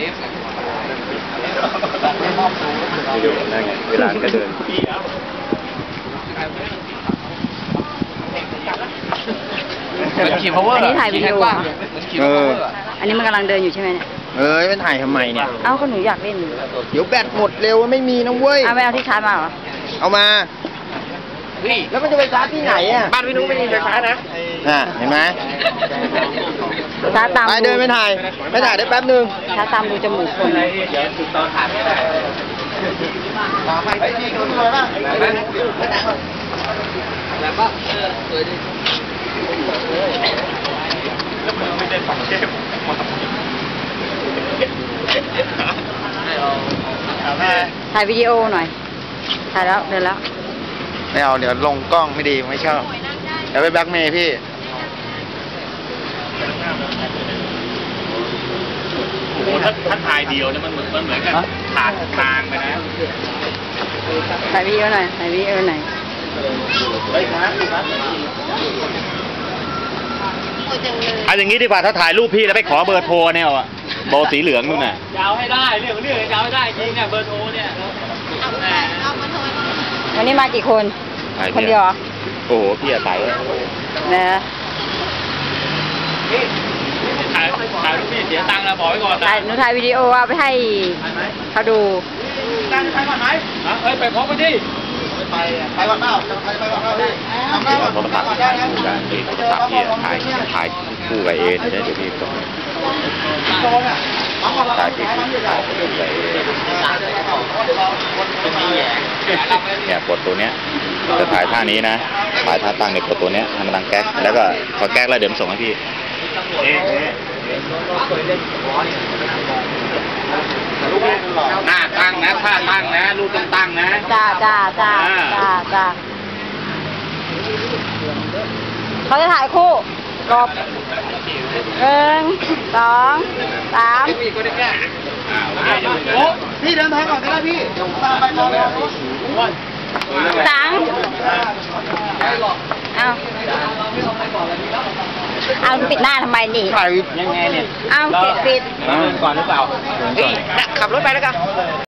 ดูนั่นไงเวลาก็เดินขี่ power อันนี้ถ่ายวิดีโออันนี้มันกำลังเดินอยู่ใช่ไหมเนี่ยไม่ถ่ายทำไมเนี่ยเอ้าก็หนูอยากเล่นเดี๋ยวแบตหมดเร็วไม่มีนะเว้ยเอาไปเอาที่ชาร์จมาเหรอเอามาแล้วมันจะไปชาร์จที่ไหนอ่ะบ้านพี่นุ้งไม่มีไฟฟ้านะเห็นไหมชาร์จตามไปเดินไม่ถ่ายได้แป๊บนึงชาร์จตามดูจมูกคนตอนถ่ายไม่ได้ไปที่คนเลยบ้างแล้วก็สวยดีไม่ได้ฝังเข้มถ่ายวิดีโอหน่อยถ่ายแล้วเดินแล้วไม่เอาเดี๋ยวลงกล้องไม่ดีไม่ชอบเดี๋ยวไปแบล็กเมย์พี่โอ้โหถ้าถ่ายเดียวเนี่ยมันเหมือนกับขาดทางไปนะถ่ายวิดีโอหน่อยถ่ายวิดีโอหน่อยเอาอย่างนี้ดีกว่าถ้าถ่ายรูปพี่แล้วไปขอเบอร์โทรเนี่ยอ่ะโบสีเหลืองนู่นน่ะยาวให้ได้เรื่องยาวให้ได้จริงเนี่ยเบอร์โทรเนี่ยวันนี้มากี่คนคนเดียวเหรอโอ้โหพี่ใส่นะถ่ายรูปพี่เสียตังค์นะบอกไว้ก่อนหนูถ่ายวิดีโอเอาไปให้เขาดูตังค์ไปก่อนไหมไปพร้อมกันดิไปก่อนเปล่าไปก่อนเปล่าโทรศัพท์ถ่ายคู่กันโทรศัพท์พี่ถ่ายคู่กับเอเนี่ยเดี๋ยวพี่ส่งถ่ายคู่กับเอเนี่ยกดตัวเนี้ยจะถ่ายท่านี้นะถ่ายท่าตั้งเนี่ยกดตัวเนี้ยทำมันดังแก๊กแล้วก็พอแก๊กแล้วเดี๋ยวส่งให้พี่หน้าตั้งนะท่าตั้งนะรูปต้องตั้งนะจ้าเขาจะถ่ายคู่กบ1 2 3 พี่เดินทางก่อนก็ได้พี่ตามไปรอตังเอาปิดหน้าทำไมนี่ยังไงเนี่ยเอาปิดก่อนหรือเปล่าขับรถไปแล้วกัน